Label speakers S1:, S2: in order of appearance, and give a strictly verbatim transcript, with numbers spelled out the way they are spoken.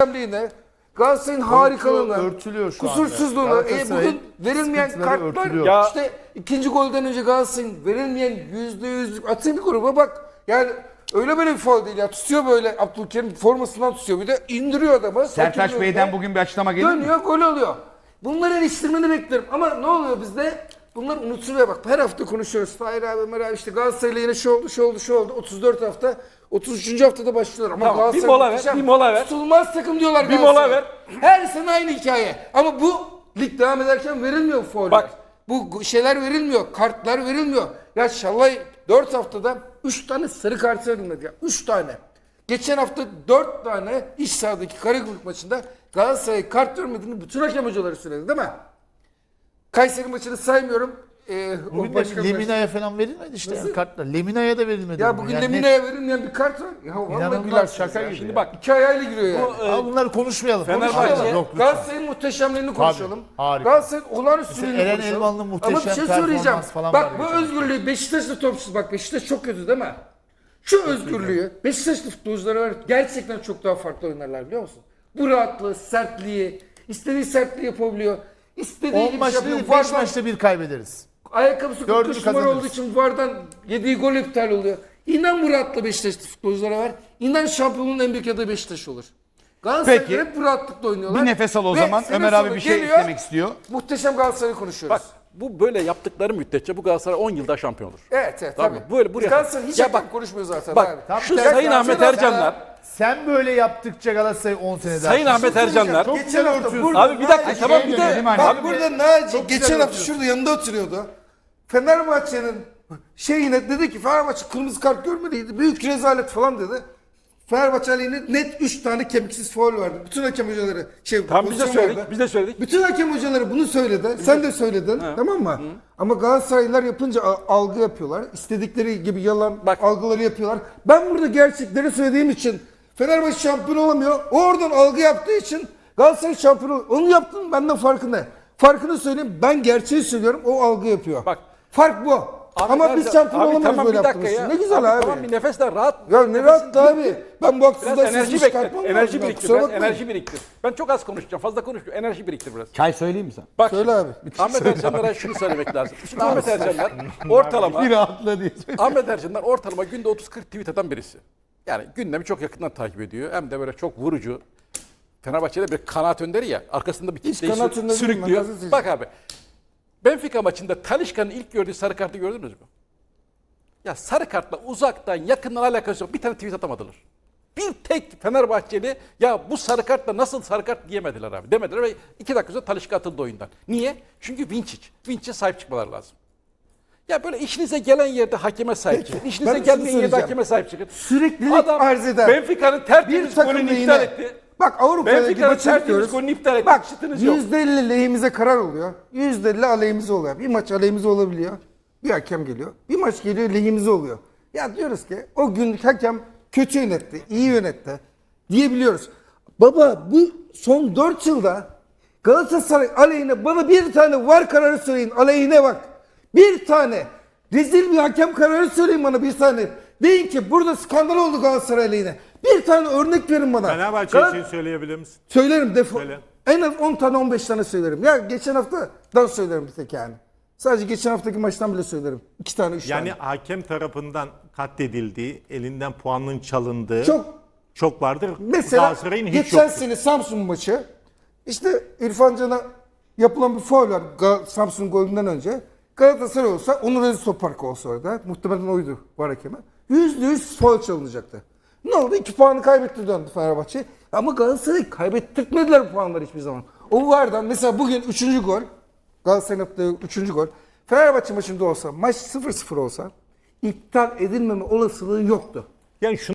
S1: muhteşemliğine, Galatasaray'ın harikalığına,
S2: örtülüyor şu
S1: kusursuzluğuna,
S2: anda.
S1: e, bugün verilmeyen kartlar,
S2: örtülüyor.
S1: işte ikinci golden önce Galatasaray'ın verilmeyen yüzde yüzlük atın bir gruba bak. Yani öyle böyle bir faul değil ya. Tutuyor böyle Abdülkerim formasından tutuyor. Bir de indiriyor adamı.
S3: Sertaç Bey'den bugün bir açıklama gelir mi?
S1: Dönüyor, gol oluyor. Bunları eleştirmeni beklerim. Ama ne oluyor bizde? Bunlar unutuluyor bak. Her hafta konuşuyoruz. Tahir abi, Ömer abi işte Galatasaray'la yine şu oldu, şu oldu, şu oldu. otuz dört hafta. otuz üçüncü haftada başlıyorlar. Ama
S4: Tamam,
S1: Galatasaray
S4: bir mola ver,
S1: muhteşem.
S4: bir mola ver.
S1: Tutulmaz takım diyorlar
S4: Bir
S1: Galatasaray.
S4: mola ver.
S1: Her sene aynı hikaye. Ama bu lig devam ederken verilmiyor fauller.
S4: Bak.
S1: Bu şeyler verilmiyor. Kartlar verilmiyor. Ya Şallay dört haftada üç tane sarı kart verilmedi ya. üç tane. Geçen hafta dört tane iç sahadaki Karagümrük maçında Galatasaray kart vermediğini bütün hakem hocaları söyledi değil mi? Kayseri maçını saymıyorum. Ee, o
S2: Bugün
S1: başka
S2: de
S1: bir
S2: Lemina'ya falan verilmedi işte
S1: Nasıl?
S2: yani kartlar. Lemina'ya da verilmedi.
S1: Ya
S2: ama
S1: bugün
S2: yani
S1: Lemina'ya verilmeyen bir kart var. Ya vallahi
S2: İnanılmaz,
S1: gülersiniz
S2: şaka
S1: ya.
S2: gibi
S1: Şimdi
S2: ya.
S1: bak iki ayağıyla giriyor yani.
S2: net. Al bunları konuşmayalım.
S4: Fenerbahçe-
S2: konuşmayalım. Yok, lütfen.
S1: Galatasaray'ın muhteşemliğini konuşalım.
S2: harika.
S1: Galatasaray'ın olağanüstülüğünü
S2: Mesela Eren
S1: konuşalım.
S2: Elvan'ın muhteşem
S1: Ama bir şey
S2: performans
S1: söyleyeceğim.
S2: falan
S1: Bak
S2: var
S1: bu
S2: geçen
S1: özgürlüğü Beşiktaşlı topçusu bak Beşiktaş çok kötü değil mi? Şu özgürlüğü Beşiktaşlı futbolculara ver, gerçekten çok daha farklı oynarlar biliyor musun? Bu rahatlığı, sertliği, istediği sertliği yapabiliyor. İstediği
S2: on
S1: gibi
S2: maçta
S1: şey yapıyor.
S2: değil, beş
S1: Vardan-
S2: maçta bir kaybederiz.
S1: Ayakkabısı kırk
S2: Dördünü
S1: üç numara
S2: kazanırız.
S1: olduğu için Vardan yediği gol iptal oluyor. İnan bu rahatlığı Beşiktaşlı futbolculara ver. İnan şampiyonluğun en büyük adayı Beşiktaş olur. Galatasaray'da
S3: Peki.
S1: hep bu rahatlıkla oynuyorlar.
S3: Bir nefes al o
S1: Ve
S3: zaman.
S1: sene
S3: Ömer abi
S1: sonu
S3: bir şey
S1: geliyor,
S3: eklemek istiyor.
S1: Muhteşem Galatasaray'ı konuşuyoruz.
S4: Bak bu böyle yaptıkları müddetçe bu Galatasaray on yılda şampiyon olur.
S1: Evet evet
S4: Tamam
S1: tabii.
S4: mı? Böyle buraya-
S1: Galatasaray hiç
S4: Ya
S1: hakem
S4: bak-
S1: konuşmuyor zaten
S4: Bak
S1: abi.
S2: Tabii,
S4: şu
S2: tabii.
S4: Sayın
S2: Sen-
S4: Ahmet
S2: sen-
S4: Ercanlar,
S2: Sen böyle yaptıkça Galatasaray on sene daha.
S4: Sayın Ahmet Ercanlar.
S2: Çok
S1: Geçen
S2: güzel
S1: hafta
S2: örtüyorsun.
S1: burada
S4: Abi bir dakika
S1: Naci-
S4: tamam bir de
S3: dönelim hani.
S1: Bak
S3: Abi
S1: burada Naci
S2: çok güzel
S1: geçen hafta
S2: yapıyorsun.
S1: şurada yanında oturuyordu. Fenerbahçe'nin şeyine dedi ki Fenerbahçe kırmızı kart görmeliydi. Büyük rezalet falan dedi. Fenerbahçe aleyhine net üç tane kemiksiz faul verdi. Bütün hakem hocaları şey
S4: Tamam biz de
S1: pozisyon
S4: söyledik.
S1: verdi.
S4: Biz de söyledik.
S1: Bütün hakem hocaları bunu söyledi. Sen de söyledin. Tamam mı? Ama Galatasaraylılar yapınca a- algı yapıyorlar. İstedikleri gibi yalan
S4: Bak.
S1: algıları yapıyorlar. Ben burada gerçekleri söylediğim için Fenerbahçe şampiyon olamıyor. O oradan algı yaptığı için Galatasaray şampiyon oluyor. Onu yaptım benden farkı ne? Farkını söyleyeyim. Ben gerçeği söylüyorum. O algı yapıyor.
S4: Bak.
S1: Fark bu.
S4: Abi
S1: Ama
S4: nerede-
S1: biz şampiyon
S4: abi
S1: olamıyoruz
S4: tamam,
S1: böyle
S4: bir dakika
S1: yaptığımız
S4: ya.
S1: için. Ne güzel abi.
S4: Tamam bir nefesle rahat.
S1: Ya ne rahat da abi. Ben bu
S4: Biraz
S1: haksızlığa
S4: enerji
S1: sesimi
S4: bekle.
S1: çıkartmam lazım.
S4: Enerji
S1: ya,
S4: biriktir.
S1: kusura
S4: Biraz
S1: bakmayın.
S4: enerji biriktir. Ben çok az konuşacağım. Fazla konuşmuyor. Enerji biriktir biraz.
S3: Çay söyleyeyim mi sen?
S4: Bak
S1: Söyle abi.
S4: Ahmet Ercanlar'a şunu söylemek lazım. Şimdi Ahmet Ercanlar ortalama
S3: Bir rahatla diye söyleyeyim.
S4: Ahmet Ercanlar ortalama günde otuz kırk tweet atan birisi. Yani gündemi çok yakından takip ediyor. Hem de böyle çok vurucu. Fenerbahçe'de bir kanaat önderi ya. Arkasında bir kitleyi
S1: kanaat
S4: sür-
S1: önderi değilim, ben
S4: sürüklüyor.
S1: gazeteciyim.
S4: Bak abi. Benfica maçında Talisca'nın ilk gördüğü sarı kartı gördünüz mü? Ya sarı kartla uzaktan yakından alakası yok. Bir tane tweet atamadılar. Bir tek Fenerbahçeli ya bu sarı kartla nasıl sarı kart diyemediler abi. Demediler ve iki dakika sonra Talisca atıldı oyundan. Niye? Çünkü Vinčić. Vinčić'e sahip çıkmaları lazım. Ya böyle işinize gelen yerde hakeme sahip çıkın.
S1: ben
S4: İşinize
S1: şunu
S4: gelmeyen yerde
S1: söyleyeceğim.
S4: hakeme sahip çıkın.
S1: Süreklilik
S4: Adam
S1: arz eder.
S4: Benfica'nın tertemiz
S1: Bir takım
S4: golünü
S1: lehine.
S4: iptal etti.
S1: Bak Avrupa'daki
S4: Benfica'nın
S1: maçı
S4: tertemiz
S1: yapıyoruz.
S4: golünü iptal etti.
S1: Bak
S4: Şıtınız yok.
S1: yüzde elli lehimize karar oluyor. yüzde elli aleyhimize oluyor. Bir maç aleyhimize olabiliyor. Bir hakem geliyor. Bir maç geliyor lehimize oluyor. Ya diyoruz ki o gün hakem kötü yönetti, iyi yönetti diyebiliyoruz. Baba bu son dört yılda Galatasaray aleyhine bana bir tane var kararı söyleyin. Aleyhine bak. Bir tane. Rezil bir hakem kararı söyleyin bana bir tane. Deyin ki burada skandal oldu Galatasaray aleyhine. Bir tane örnek verin bana.
S5: Fenerbahçe
S1: Gal-
S5: için söyleyebilir misin?
S1: Söylerim defo.
S5: Söyle.
S1: En az on tane on beş tane söylerim. Ya geçen haftadan söylerim bir tek yani. Sadece geçen haftaki maçtan bile söylerim. iki tane üç
S5: Yani
S1: tane.
S5: hakem tarafından katledildiği, elinden puanın çalındığı
S1: Çok
S5: çok vardır.
S1: mesela
S5: Galatasaray'ın hiç
S1: geçen
S5: yoktur.
S1: sene Samsun maçı işte İrfan Can'a yapılan bir faul var Ga- Samsun golünden önce. Galatasaray olsa Onur Aziz Toprak olsa orada. Muhtemelen oydu var hakeme. Yüzde yüz faul çalınacaktı. Ne oldu? İki puanı kaybetti döndü Fenerbahçe. Ama Galatasaray kaybettirtmediler bu puanları hiçbir zaman. O vardan mesela bugün üçüncü gol. Galatasaray'ın attığı üçüncü gol. Fenerbahçe maçında olsa maç sıfır sıfır olsa iptal edilmeme olasılığı yoktu.
S5: Yani şunu